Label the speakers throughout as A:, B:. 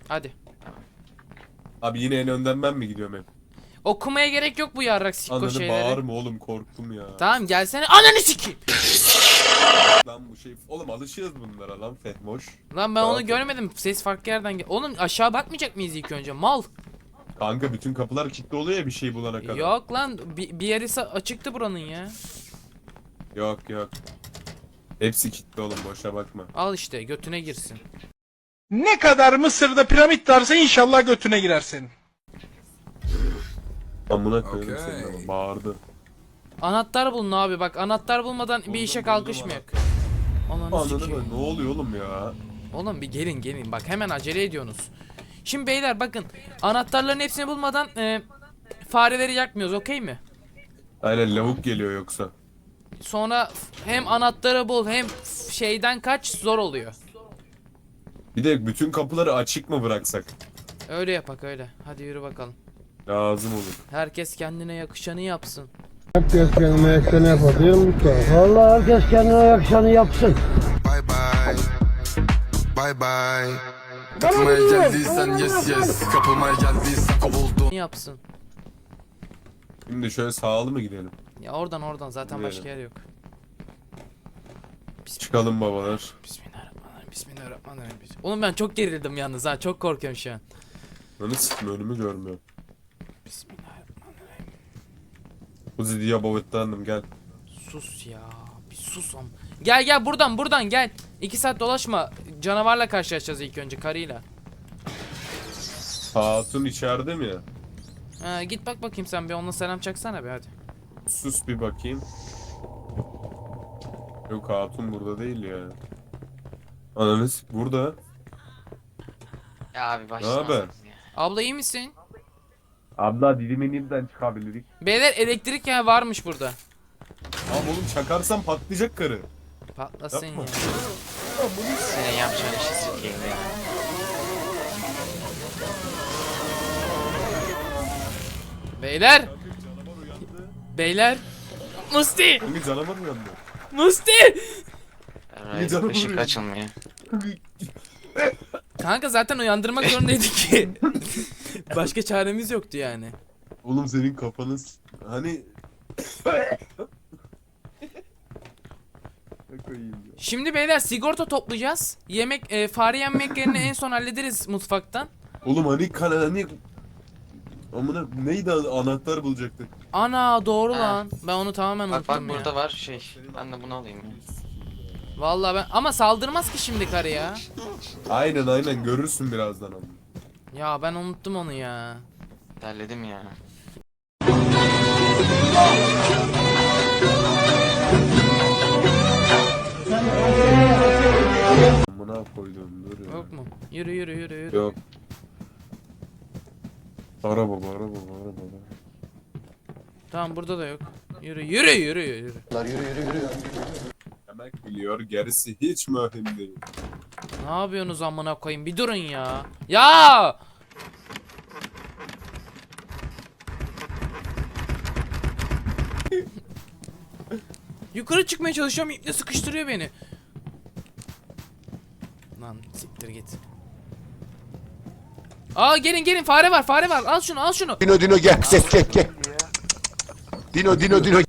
A: Hadi.
B: Abi yine en önden ben mi gidiyorum hep?
A: Okumaya gerek yok bu yarrak sikko
B: Ananı
A: şeyleri.
B: bağırma oğlum, korktum ya.
A: Tamam gelsene. Ananı sikeyim.
B: Lan bu şey oğlum, alışığız bunlara lan Fehmoş.
A: Lan ben
B: Rahat
A: onu
B: ol.
A: görmedim. Ses farklı yerden gel. Oğlum aşağı bakmayacak mıyız ilk önce? Mal.
B: Kanka bütün kapılar kilitli oluyor ya bir şey bulana kadar.
A: Yok lan bir yeri açıktı buranın ya.
B: Yok yok. Hepsi kilitli oğlum, boşa bakma.
A: Al işte götüne girsin.
C: Ne kadar Mısır'da piramit varsa inşallah götüne girer senin.
B: Amına koyayım senin ama, bağırdı.
A: Anahtar bulun abi bak, anahtar bulmadan bir işe kalkışmıyor. Ananı
B: Anladın
A: sikeyim.
B: mı? Ne oluyor oğlum ya?
A: Oğlum bir gelin bak, hemen acele ediyorsunuz. Şimdi beyler bakın, anahtarların hepsini bulmadan fareleri yakmıyoruz, okey mi?
B: Aynen, lavuk geliyor yoksa.
A: Sonra hem anahtarı bul hem şeyden kaç, zor oluyor.
B: Bir de bütün kapıları açık mı bıraksak?
A: Öyle yapak öyle. Hadi yürü bakalım.
B: Lazım olur.
A: Herkes kendine yakışanı yapsın.
D: Herkes kendine yakışanı yapar değil mi usta? Vallahi herkes kendine yakışanı yapsın.
E: Bye bye. Bye bye. Kapılmaya geldiysen yes. Kapılmaya geldiysen kovuldun.
A: Yapsın.
B: Şimdi şöyle sağlı mı gidelim?
A: Ya oradan zaten başka yer yok.
B: Çıkalım babalar.
A: Bismillahirrahmanirrahim. Oğlum ben çok gerildim yalnız ha, çok korkuyorum şu an.
B: Önü sıkma, önümü görmüyor.
A: Bismillahirrahmanirrahim.
B: Uzi diye bavetlendim, gel.
A: Sus ya, bir sus am. Gel buradan gel. 2 saat dolaşma. Canavarla karşılaşacağız ilk önce, karıyla.
B: Hatun içeride mi ya?
A: Ha, git bak bakayım sen bir, onunla selam çaksana bir hadi.
B: Sus bir bakayım. Yok, hatun burada değil ya. Ananız burada.
F: Ya abi
B: Ne
F: başlama.
B: haber?
A: Abla iyi misin?
B: Abla dilimeninden çıkabilirik.
A: Beyler elektrik ya varmış burada.
B: Abi oğlum, çakarsan patlayacak karı.
A: Patlasın
B: Yapma.
A: ya.
F: Senin yapacağın işi sikeyim ya.
A: Beyler. Beyler. Musti.
B: Hangi canavar uyandı?
A: Musti.
F: Evet,
B: canım
F: ışık
B: vuruyor.
F: açılmıyor.
A: Kanka zaten uyandırmak zorundaydık ki. Başka çaremiz yoktu yani.
B: Oğlum senin kafanız hani... Ne koyayım ya?
A: Şimdi beyler sigorta toplayacağız. Yemek, fare yemeklerini en son hallederiz mutfaktan.
B: Oğlum hani... Amına neydi, anahtar bulacaktık.
A: Ana doğru
F: Ha.
A: lan. Ben onu tamamen
F: Bak
A: unuttum ya.
F: burada var şey. Ben de bunu alayım ya.
A: Vallahi ben, ama saldırmaz ki şimdi karı ya.
B: Aynen görürsün birazdan ama.
A: Ya ben unuttum onu ya.
F: Derledim ya.
B: Amına koydum, dur ya.
A: Yok mu? Yürü.
B: Yok. Araba.
A: Tamam burada da yok. Yürü.
B: Yemek biliyor, gerisi hiç mühim değil.
A: Ne yapıyorsunuz amına koyayım? Bir durun ya. Ya! Yukarı çıkmaya çalışıyorum, iple sıkıştırıyor beni. Lan siktir git. Aa gelin fare var. Al şunu.
E: Dino gel gel. Dino.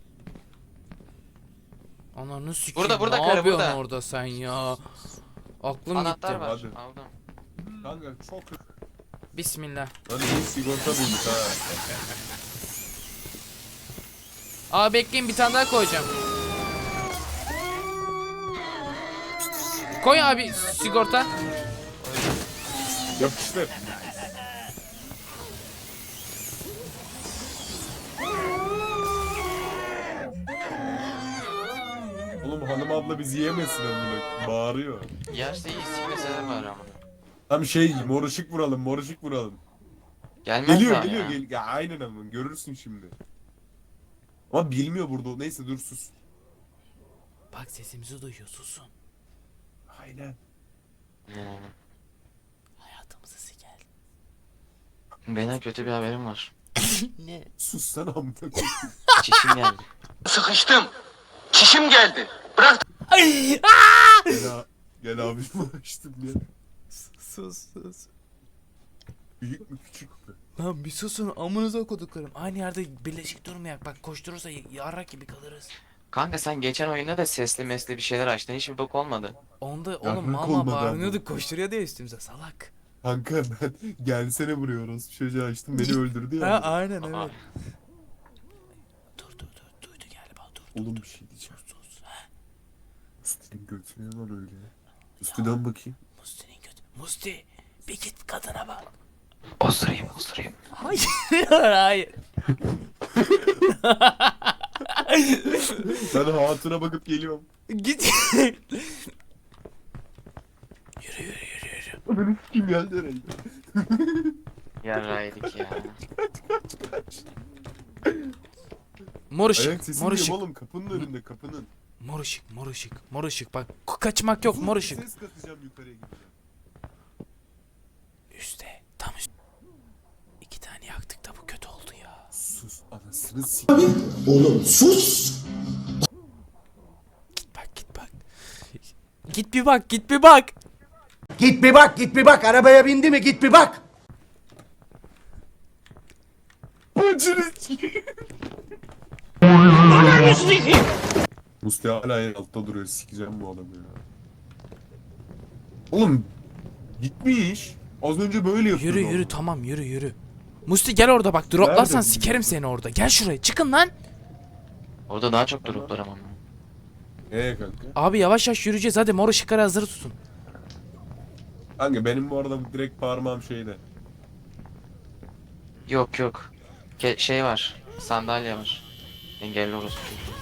A: Ananı sikeyim.
F: Burada
A: ne
F: karı,
A: yapıyorsun
F: burada.
A: orada sen ya? Aklım
F: Anahtar
A: gitti.
F: var.
B: Hadi.
F: Aldım.
B: Kanka çok...
A: Bismillah.
B: Hadi iyi sigorta bulduk ha.
A: Aa bekleyin, bir tane daha koyacağım. Koy abi sigorta.
B: Yapıştır. Oğlum hanım abla bizi yemesin amına. Bağırıyor.
F: Yerse iyi, sikmeseler var ama.
B: Tam şey, mor ışık vuralım.
F: Gelmez daha
B: Geliyor.
F: ya.
B: Ya aynen ama görürsün şimdi. Ama bilmiyor burada. Neyse dur sus.
A: Bak sesimizi duyuyor, susun.
B: Aynen.
A: Hayatımızı siker.
F: Benim kötü bir haberim var.
A: Ne?
B: Sus sen amına koyayım.
F: Çişim geldi.
C: Sıkıştım. Çişim geldi. Bırak.
B: Gel abi açtım ya.
A: Sus.
B: Büyük mü küçük mü?
A: Lan bir susun amınıza koduklarım. Aynı yerde birleşik durmayak. Bak koşturursa yarrak gibi kalırız.
F: Kanka sen geçen oyunda da sesli mesli bir şeyler açtın. Hiçbir bok olmadı.
A: Onda
B: Yarrak
A: oğlum mama
B: olmadı
A: bağırıyorduk koşturuyor diye üstümüze salak.
B: Kanka ben gelsene buraya orası çocuğu açtım beni öldürdü ya.
A: Ha aynen
F: Aa.
A: evet. Dur duydu galiba dur.
B: Oğlum bir şey diyeceğim.
A: Sus.
B: Musti'nin götüne var öyle. Musti'den bakayım.
A: Musti'nin kötü. Musti bir git kadına bak.
F: Osurayım.
A: Hayır hayır.
B: Ben hatuna bakıp geliyorum.
A: Git.
B: Benim kim geldi herhalde.
F: Yarraydık ya.
A: Mor ışık.
B: Ayak sesi
A: Mor
B: duyuyorum
A: ışık.
B: oğlum kapının önünde kapının.
A: Mor ışık. Bak kaçmak yok mor ışık.
B: Ses katacağım yukarıya gideceğim.
A: Üste. Tam üst. 2 tane yaktık da bu kötü oldu ya.
B: Sus anasını s***.
A: Git bak. Git bir bak.
G: Git bir bak arabaya bindi mi git bir bak.
B: Musti hala en altta duruyor sikeceğim bu adamı ya. Oğlum gitmiş. Az önce böyle yapıyordu.
A: Yürü tamam yürü. Musti gel orada bak droplarsan
B: Nerede?
A: sikerim seni orada. Gel şuraya çıkın lan.
F: Orada daha çok droplar ama.
B: Kanka?
A: Abi yavaş yürüyeceğiz hadi mor ışıkları hazır tutun.
B: Kanka benim bu arada direkt parmağım şeyde.
F: Yok. Şey var. Sandalye var. Engelli orospu çocuğu.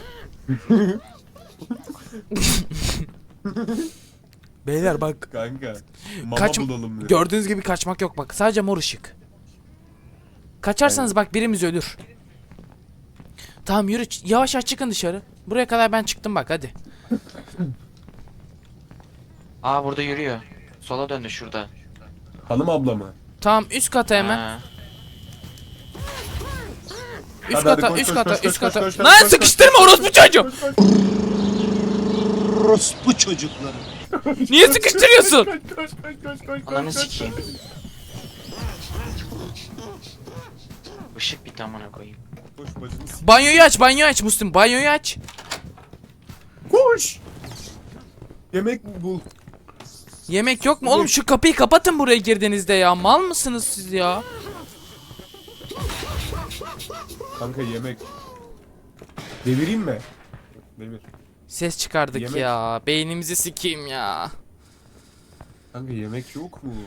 A: Beyler bak
B: Kanka. Mama
A: Kaç-
B: bulalım dedim.
A: gördüğünüz gibi kaçmak yok bak sadece mor ışık. Kaçarsanız bak birimiz ölür. Tamam yürü yavaş çıkın dışarı. Buraya kadar ben çıktım bak hadi.
F: Aa burada yürüyor. Sola döndü şurada.
B: Hanım abla mı?
A: Tamam üst kata hemen.
F: Ha.
A: Üst
B: Hadi,
A: kata
B: koş,
A: üst
B: koş,
A: kata
B: koş,
A: üst
B: koş,
A: kata.
B: koş,
A: Lan
B: koş, koş,
A: sıkıştırma orospu çocuğu.
G: Orospu çocukları.
A: Niye sıkıştırıyorsun?
B: Koş.
F: Ananı sikeyim. Işık bitti amına koyayım.
B: Koş bacını s***.
A: Banyoyu aç Müslüm banyoyu aç.
B: Koş. Yemek bul.
A: Yemek yok mu? Oğlum şu kapıyı kapatın buraya girdiğinizde ya. Mal mısınız siz ya?
B: Kanka yemek. Devireyim mi? Devir.
A: Ses çıkardık
B: Yemek.
A: ya. Beynimizi sikeyim ya.
B: Kanka yemek yok mu?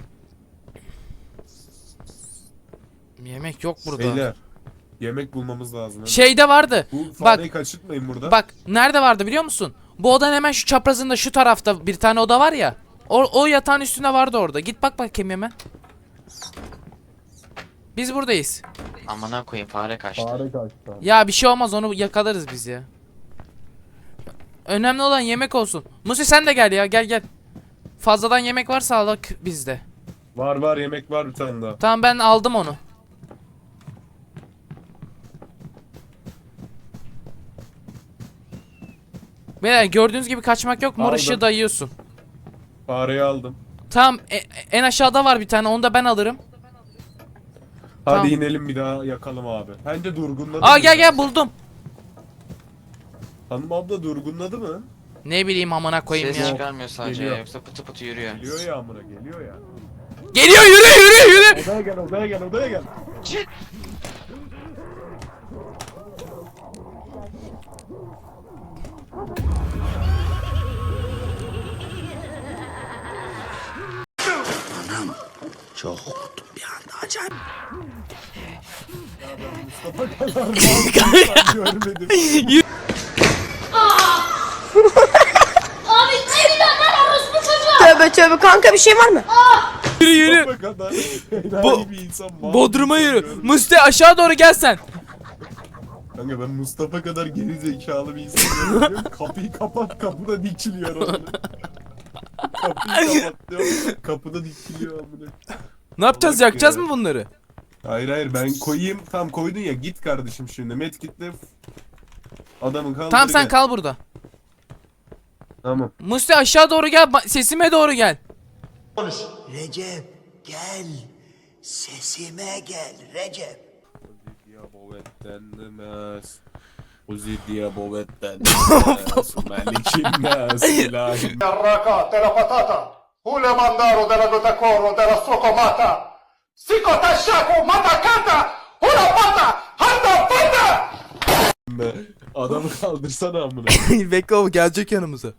A: Yemek yok burada.
B: Beyler. Yemek bulmamız lazım.
A: Şeyde vardı.
B: Bu
A: Bak
B: fareyi kaçırtmayın burada.
A: bak nerede vardı biliyor musun? Bu odanın hemen şu çaprazında şu tarafta bir tane oda var ya. O yatağın üstünde vardı orada. Git bak bakayım hemen. Biz buradayız.
F: Amına koyayım fare kaçtı.
B: kaçtı.
A: Ya bir şey olmaz onu yakalarız biz ya. Önemli olan yemek olsun. Musi sen de gel ya gel. Fazladan yemek varsa alak bizde.
B: Var yemek var bir tane daha.
A: Tamam ben aldım onu. Beyler gördüğünüz gibi kaçmak yok. Mor
B: Aldım.
A: ışığı dayıyorsun.
B: Fareyi aldım.
A: Tamam en aşağıda var bir tane onu da ben alırım.
B: Hadi
A: Tamam.
B: inelim bir daha yakalım abi. Bence durgunladı.
A: Aa
B: mı ya?
A: gel buldum.
B: Hanım abla durgunladı mı?
A: Ne bileyim amına koyayım
F: Ses
A: ya.
F: çıkarmıyor sadece
B: Geliyor.
F: yoksa pıtı pıtı yürüyor.
B: Geliyor ya amına geliyor ya.
A: Geliyor yürü.
B: Odaya gel.
G: Çok korktum bir anda acayip.
B: Görmedim.
H: Abi çeviriyor lan orospu çocuğu. Tövbe kanka bir şey var mı?
A: Yürü.
B: Bu kadar.
A: Bu-
B: Enayi bir insan. mal
A: Bodrum'a
B: bir insan
A: yürü.
B: görmedim.
A: Musti aşağı doğru gel sen.
B: Kanka ben Mustafa kadar geri zekalı bir insan görüyorum. Kapıyı kapat kapıda dikiliyor onu. Kapıyı kapat diyor. Kapıda dikiliyor amına.
A: Ne yapacağız
B: Salak
A: yakacağız
B: ya.
A: mı bunları?
B: Hayır ben koyayım. Tam koydun ya git kardeşim şimdi. Medkit'le adamı kaldır.
A: Tamam sen
B: gel.
A: kal burada.
B: Tamam.
A: Musti aşağı doğru gel sesime doğru gel.
G: Recep gel. Sesime gel Recep.
B: Uzi diye bovetten demez. Uzi diye bovetten demez. Melikim nas ilahim.
C: Raka, della patata, hule mandaro della gotacoro, della socomata, sikota shaku matakata, hula pata, handa pata!
B: Adamı kaldırsana amına.
A: Bekle o gelecek yanımıza.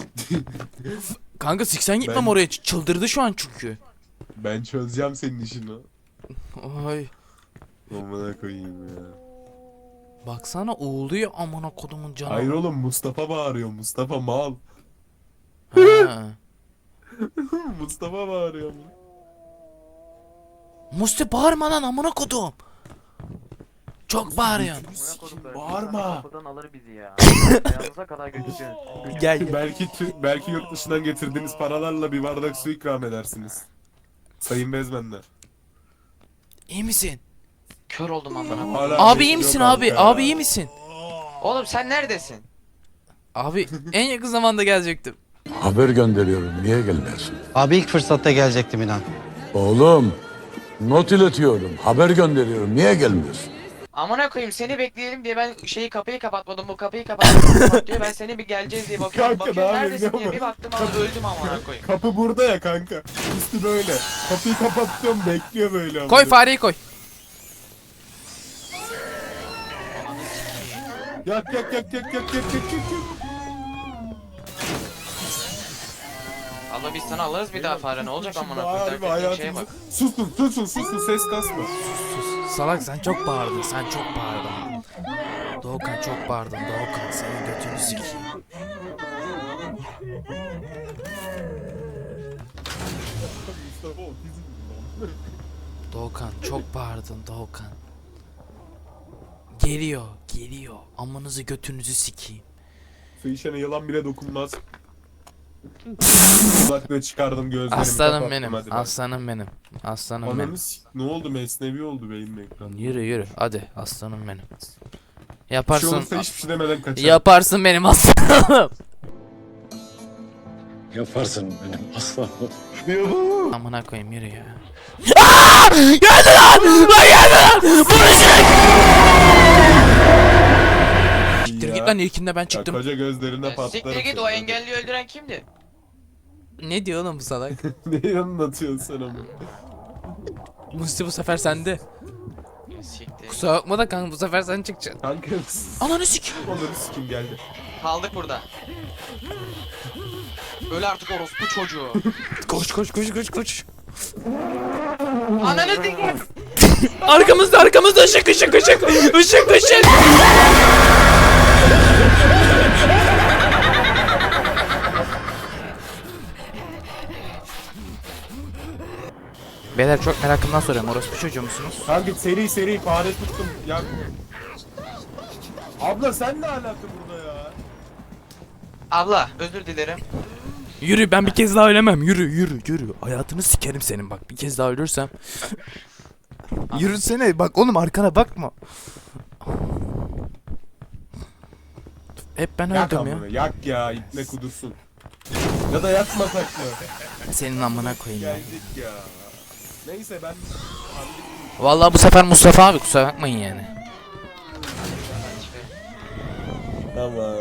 A: Kanka siksen gitmem
B: Ben-
A: oraya. Çıldırdı şu an çünkü.
B: Ben çözeceğim senin işini.
A: Ay.
B: Amına koyayım ya.
A: Baksana uğuluyor amına kodumun canı.
B: Hayır oğlum, Mustafa bağırıyor. Mustafa mal.
A: Ha.
B: Mustafa bağırıyor.
A: Musti bağırma lan amına kodum. Çok bağırıyorsun.
B: Bağırma.
F: alır bizi ya. Ayağımıza kadar götürüyor.
A: Gel.
B: Belki yurt dışından getirdiğiniz paralarla bir bardak su ikram edersiniz. Sayın Bezmenler.
A: İyi misin?
F: Kör oldum amına.
B: Hala
A: Abi iyi
B: bekliyor
A: misin
B: kanka
A: abi?
B: ya.
A: Abi iyi misin?
F: Oğlum sen neredesin?
A: Abi en yakın zamanda gelecektim.
I: Haber gönderiyorum. Niye gelmiyorsun?
G: Abi ilk fırsatta gelecektim inan.
I: Oğlum, not iletiyorum. Haber gönderiyorum. Niye gelmiyorsun?
F: Amına koyayım seni bekleyelim diye ben kapıyı kapatmadım, bu kapıyı kapat diyor. Ben seni bir geleceğiz diye bakıyorum.
B: Kanka,
F: Bakıyorum
B: ne
F: neredesin
B: yapayım,
F: diye bir baktım abi öldüm amına koyayım.
B: Kapı burada ya kanka. Üstü böyle. Kapıyı kapatıyorum, bekliyor böyle.
A: Koy fareyi koy.
B: Yak.
F: Abla biz sana alırız bir daha fare ne olacak amına
B: Harbi
F: koyayım. Derken şeye
B: hayatımız.
F: bak.
B: Susun, ses kasma.
A: Salak sen çok bağırdın. Sen çok bağırdın. Doğukan çok bağırdın. Doğukan senin götünü sikeyim.
B: Mustafa otizm.
A: Doğukan çok bağırdın Doğukan. Geliyor. Amınızı götünüzü sikeyim.
B: Su içene yılan bile dokunmaz. Kulaklığı çıkardım, gözlerimi
A: Aslanım
B: kapattım,
A: benim.
B: hadi ben.
A: Aslanım benim. Aslanım benim.
B: Ananı ne oldu, mesnevi oldu benim ekran.
A: Yürü. Hadi aslanım benim.
B: Bir şey
A: Yaparsın.
B: olursa hiçbir şey demeden kaçar.
A: Yaparsın benim aslanım.
I: Yaparsın benim aslanım.
A: Amına koyayım yürü ya. Aaaa! Geldi lan! Lan geldi lan! Vuracak! Siktir git lan ilkinde ben
B: Ya,
A: çıktım.
B: koca gözlerine patlarım.
F: Siktir git o engelli öldüren kimdi?
A: Ne diyor oğlum bu salak?
B: Neyi anlatıyorsun sen ama?
A: Musti bu sefer sende.
F: Siktir.
A: Kusura bakma da kanka bu sefer sen çıkacaksın.
B: Kanka
A: Ananı sik.
B: onları sikim geldi.
F: Kaldık burada. Öl artık orospu çocuğu.
A: Koş.
F: Ananı sikeyim.
A: Arkamızda ışık. Beyler çok merakımdan soruyorum. Orospu çocuğu musunuz?
B: Kanka seri fare tuttum. Ya. Abla sen ne alaka burada ya?
F: Abla özür dilerim.
A: Yürü ben bir kez daha ölemem. Yürü. Hayatını sikerim senin bak. Bir kez daha ölürsem. Yürüsene bak oğlum arkana bakma. Hep ben
B: Yak
A: öldüm ya.
B: amına, yak ya, ipne kudursun. Ya da yakmasak mı?
A: Senin amına koyayım ya.
B: Geldik ya. Neyse ben...
A: Vallahi bu sefer Mustafa abi kusura bakmayın yani.
B: Tamam.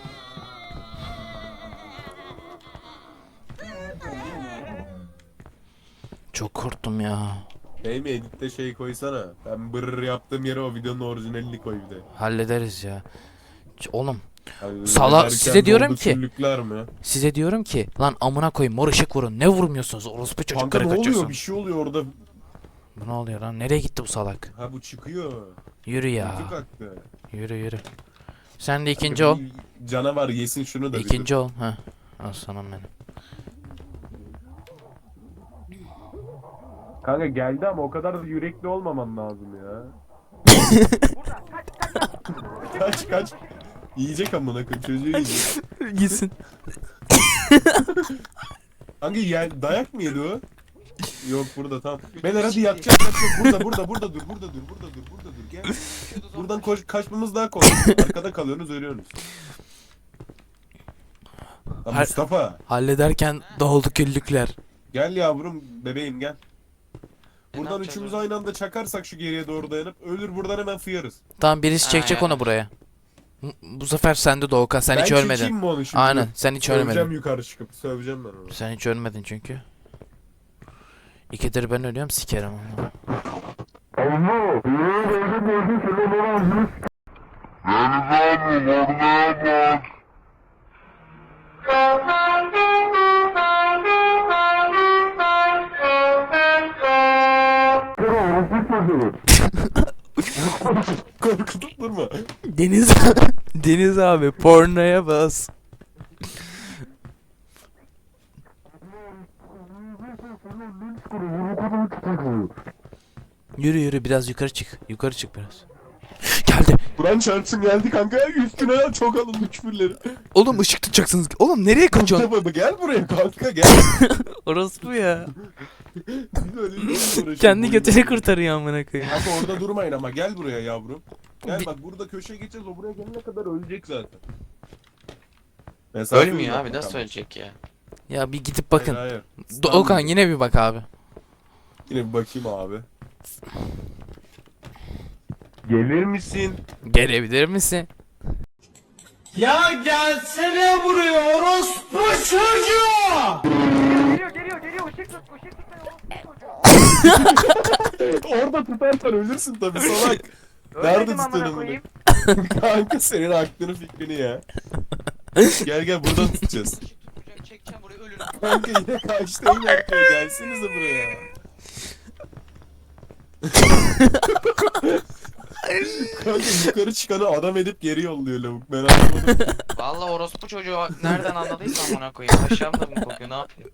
A: Çok korktum ya.
B: Benim editte şey koysana. Ben bırr yaptığım yere o videonun orijinalini koy bir de.
A: Hallederiz ya. Oğlum
B: Yani
A: Sala-
B: derken
A: size diyorum
B: doldu
A: ki-
B: küllükler mi?
A: size diyorum ki lan amına koyayım mor ışık vurun. Ne vurmuyorsunuz orospu çocuk
B: Kanka ne oluyor?
A: karikatürsün.
B: Bir şey oluyor orada.
A: Bu ne oluyor lan? Nereye gitti bu salak?
B: Ha bu çıkıyor.
A: Yürü ya.
B: Kutu kalktı.
A: Yürü. Sen de ikinci
B: Kanka
A: ol.
B: bir Canavar yesin şunu da. bir
A: İkinci
B: dur.
A: ol. Ha. Aslanım benim.
B: Kanka geldi ama o kadar da yürekli olmaman lazım ya. kaç. Yiyecek amına koyayım, çocuğu yiyecek.
A: Gitsin.
B: Hangi dayak mı yedi o? Yok burada tamam. Beyler hadi yatacak. Burada dur. Gel. Buradan kaçmamız daha kolay. Arkada kalıyorsunuz, ölüyorsunuz. Lan Mustafa
A: Hallederken doldu küllükler.
B: gel yavrum, bebeğim gel. Buradan
F: yapacağız
B: üçümüz
F: onu?
B: aynı anda çakarsak şu geriye doğru dayanıp ölür buradan hemen fıyarız.
A: Tamam birisi
F: Ha,
A: çekecek
F: yani.
A: onu buraya. Bu sefer sende Doğukan. Sen
B: Ben
A: hiç
B: çekeyim
A: ölmedin.
B: mi onu şimdi?
A: Aynen sen hiç
B: Söveceğim
A: ölmedin.
B: yukarı çıkıp. Söveceğim ben onu.
A: Sen hiç ölmedin çünkü. İkidir ben ölüyorum sikerim onu.
B: Korkutup durma.
A: Deniz Deniz abi pornoya bas. Yürü yürü biraz yukarı çık. Yukarı çık biraz. Geldi.
B: Kur'an çarpsın geldi kanka. Üstüne çok alındı küfürleri.
A: Oğlum ışık tutacaksınız. Oğlum nereye kaçıyorsun?
B: Mustafa gel buraya kanka gel.
A: Orospu ya.
B: Biz öyle bir şey uğraşıyoruz.
A: Kendi
B: Boyun
A: götünü
B: boyun.
A: kurtarıyor amına koyayım.
B: Kanka orada durmayın ama gel buraya yavrum. Gel
A: Bir-
B: bak burada köşeye geçeceğiz o buraya gelene kadar ölecek zaten. Mesafe
F: Ölmüyor
B: uzak
F: abi nasıl
B: bakalım.
F: ölecek ya?
A: Ya bir gidip bakın.
B: Hayır, hayır.
A: Doğukan yine bir bak abi.
B: Yine bir bakayım abi. Gelir misin?
A: Gelebilir misin?
D: Ya gelsene buraya orospu çocuğu!
B: Orada tutarsan ölürsün tabii salak. Nerede tutuyorsun bunu? Kanka senin aklını fikrini ya. Gel gel buradan tutacağız.
F: Çekeceğim buraya ölürüm.
B: Kanka yine kaçtı yine yapıyor. Gelsenize buraya. Kanka yukarı çıkanı adam edip geri yolluyor lavuk. Ben anlamadım.
F: Vallahi orospu çocuğu nereden anladıysa amına koyayım. Aşağımda mı kokuyor ne yapıyor?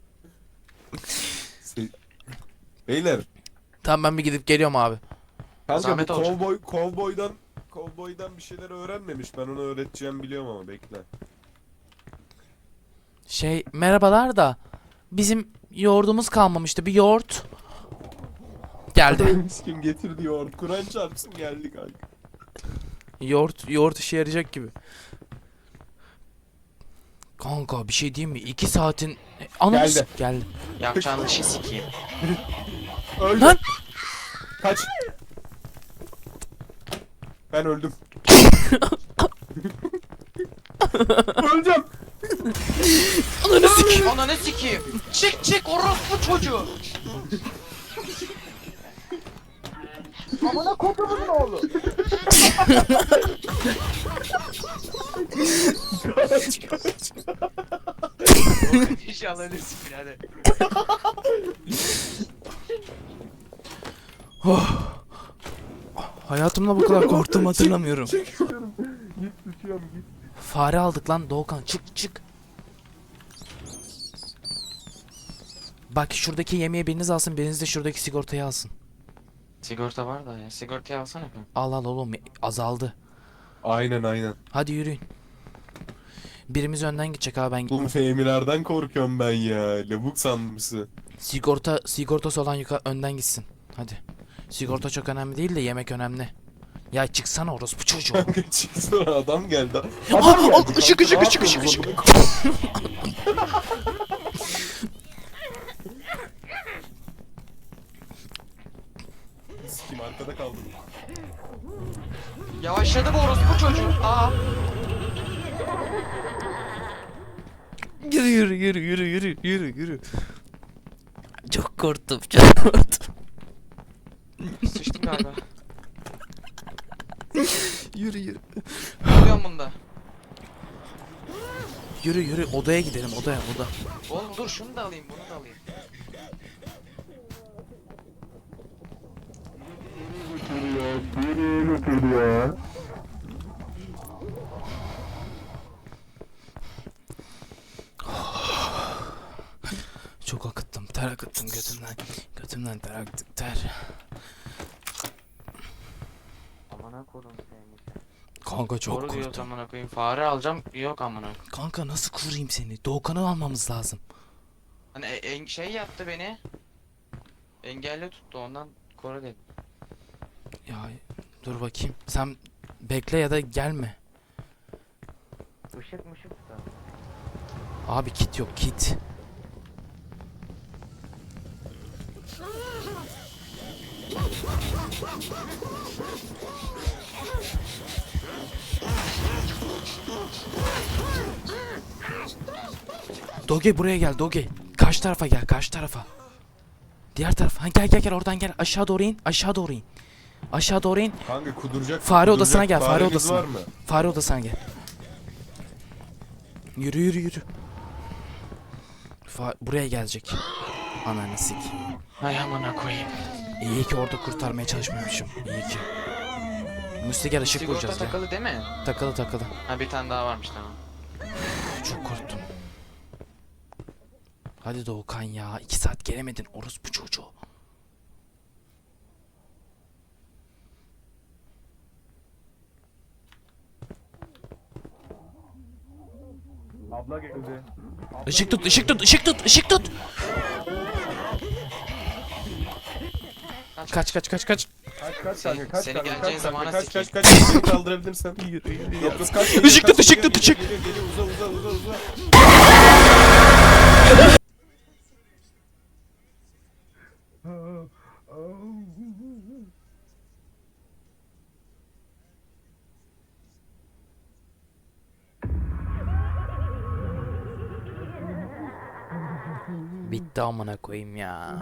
B: Beyler.
A: Tamam ben bir gidip geliyorum abi.
B: Kanka bu
F: Zahmet olacak.
B: kovboydan bir şeyler öğrenmemiş. Ben onu öğreteceğim biliyorum ama bekle.
A: Merhabalar da bizim yoğurdumuz kalmamıştı. Bir yoğurt. Geldi.
B: Kim getirdi yoğurt? Kur'an çarpsın geldi kanka.
A: Yoğurt işe yarayacak gibi. Kanka bir şey diyeyim mi? 2 saatin... Ananı
B: Geldi.
A: Geldi.
F: Yapacağın işi sikeyim.
B: Öldüm.
A: Lan!
B: Kaç. Ben öldüm. Öleceğim.
A: Ananı sik.
F: Ananı sikeyim. Çık orospu çocuğu.
B: Kaç kaç.
F: İnşallah ölürsün birader.
A: Hayatımda bu kadar korktuğumu hatırlamıyorum.
B: Çekiyorum. Git tutuyorum git.
A: Fare aldık lan Doğukan. Çık. Bak şuradaki yemeği biriniz alsın, biriniz de şuradaki sigortayı alsın.
F: Sigorta var da ya. Sigortayı alsana bir.
A: Al oğlum azaldı.
B: Aynen.
A: Hadi yürüyün. Birimiz önden gidecek abi ben.
B: Oğlum Fehmilerden korkuyorum ben ya. Lavuk sanmışsın.
A: Sigortası olan önden gitsin. Hadi. Sigorta çok önemli değil de yemek önemli. Ya çıksana orospu çocuğu.
B: Kanka çıksana adam geldi.
A: Aa, ışık.
B: Kim arkada kaldı?
F: Yavaşladı bu orospu çocuğu. Aa.
A: Yürü. Çok korktum.
F: Sıçtım galiba.
A: Yürü.
F: Oluyorum bunda.
A: Yürü odaya gidelim oda.
F: Oğlum dur şunu da alayım bunu da alayım.
A: Çok akıttım. Ter akıttım götümden. Götümden ter akıttım ter.
F: Amına koydum seni.
A: Kanka çok
F: Doğru diyoruz
A: korktum.
F: amına koyayım. Fare alacağım. Yok amına.
A: Kanka nasıl koruyayım seni? Doğukan'ı almamız lazım.
F: Hani şey yaptı beni. Engelli tuttu ondan koru dedim.
A: Ya dur bakayım. Sen bekle ya da gelme.
F: Işık mışık da.
A: Abi kit yok kit. Doge buraya gel Doge. Karşı tarafa gel, karşı tarafa. Diğer tarafa. Ha, gel oradan gel. Aşağı doğru in. Aşağı doğru in. Aşağı doğru in.
B: Kanka kuduracak.
A: Fare odasına gel. Fare
B: Fareniz
A: odasına.
B: var mı?
A: Fare odasına gel. Yürü. Buraya gelecek. Ananı sik.
F: Hay amına koyayım.
A: İyi ki orada kurtarmaya çalışmamışım. İyi ki. Musti gel ışık
F: Sigorta
A: vuracağız gel.
F: takılı değil mi?
A: Takılı.
F: Ha bir tane daha varmış tamam.
A: Çok korktum. Hadi Doğukan ya. 2 saat gelemedin orospu çocuğu.
B: Abla geldi.
A: Işık tut. Kaç.
B: Kaç kanka kaç
F: Seni
B: kanka,
F: geleceğin
B: kaç
F: zamana
B: kanka,
F: sikeyim.
B: kaç beni kaldırabilirsen. Yok kaç.
A: Işık tut, ışık.
B: Geliyor uza.
A: Bitti amına koyayım ya.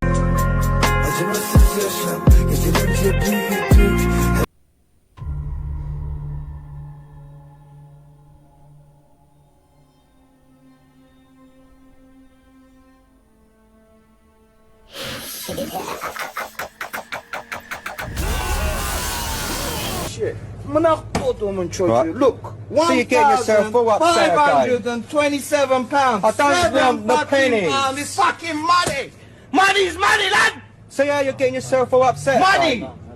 G: Look, so you get yourself full upset, guy.
C: £527.
G: I don't want the pennies.
C: It's fucking money. Money's money, lad.
G: So yeah, you're getting yourself all upset.
C: Money.
G: guy.